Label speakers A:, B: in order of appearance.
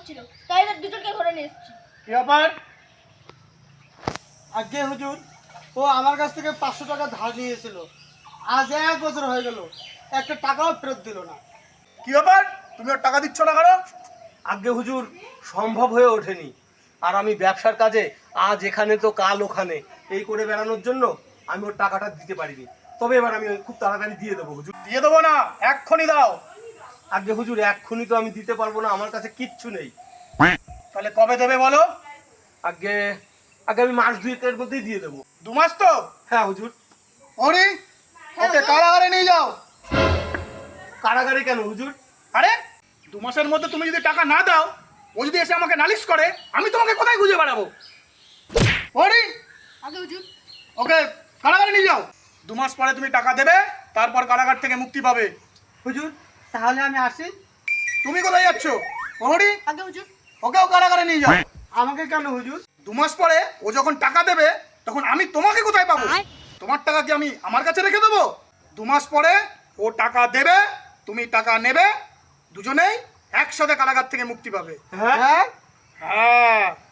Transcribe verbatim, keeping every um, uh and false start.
A: ছিল, তাই এদের দুজনকে ধরে নিয়ে এসেছি।
B: কি ব্যাপার? আগে হুজুর, ও আমার কাছ থেকে পাঁচশো টাকা ধার নিয়েছিল, আজ এক বছর হয়ে গেল, একটা টাকাও ফেরত দিল না।
C: কি ব্যাপার, তুমি ওর টাকা দিচ্ছ না কেন?
D: আগে হুজুর, সম্ভব হয়ে ওঠেনি। আর আমি ব্যবসার কাজে আজ এখানে তো কাল ওখানে এই করে বেড়ানোর জন্য আমি ওর টাকাটা দিতে পারিনি। তবে এবার আমি খুব তাড়াতাড়ি দিয়ে দেবো হুজুর।
C: দিয়ে দেবো না, এক্ষুনি দাও।
D: আগে হুজুর, এক্ষুনি তো আমি দিতে পারবো না, আমার কাছে কিচ্ছু নেই।
C: তাহলে কবে দেবে বলো?
D: আগে আগে আমি মাস দুয়েকের মধ্যেই দিয়ে দেবো।
C: দু মাস তো?
D: হ্যাঁ হুজুর।
C: ওরে, ওকে কারাগারে নিয়ে যাও।
D: কারাগারে কেন হুজুর?
C: আরে দু মাসের মধ্যে তুমি যদি টাকা না দাও, ও যদি এসে আমাকে নালিশ করে, আমি তোমাকে কোথায় খুঁজে বেড়াবো? ওরে,
A: আগে হুজুর।
C: ওকে কারাগারে নিয়ে যাও। দু মাস পরে তুমি টাকা দেবে, তারপর কারাগার থেকে মুক্তি পাবে।
B: হুজুর, তাহলে আমি আসি।
C: তুমি কোথায় যাচ্ছ? ওরে,
A: আগে হুজুর।
C: ওকেও কারাগারে নিয়ে যাও।
B: আমাকে কেন হুজুর?
C: দু মাস পরে ও যখন টাকা দেবে, তখন আমি তোমাকে কোথায় পাবো? তোমার টাকা কি আমি আমার কাছে রেখে দেবো? দু মাস পরে ও টাকা দেবে, তুমি টাকা নেবে, দুজনেই একসাথে কারাগার থেকে মুক্তি পাবে।
B: হ্যাঁ,
C: হ্যাঁ।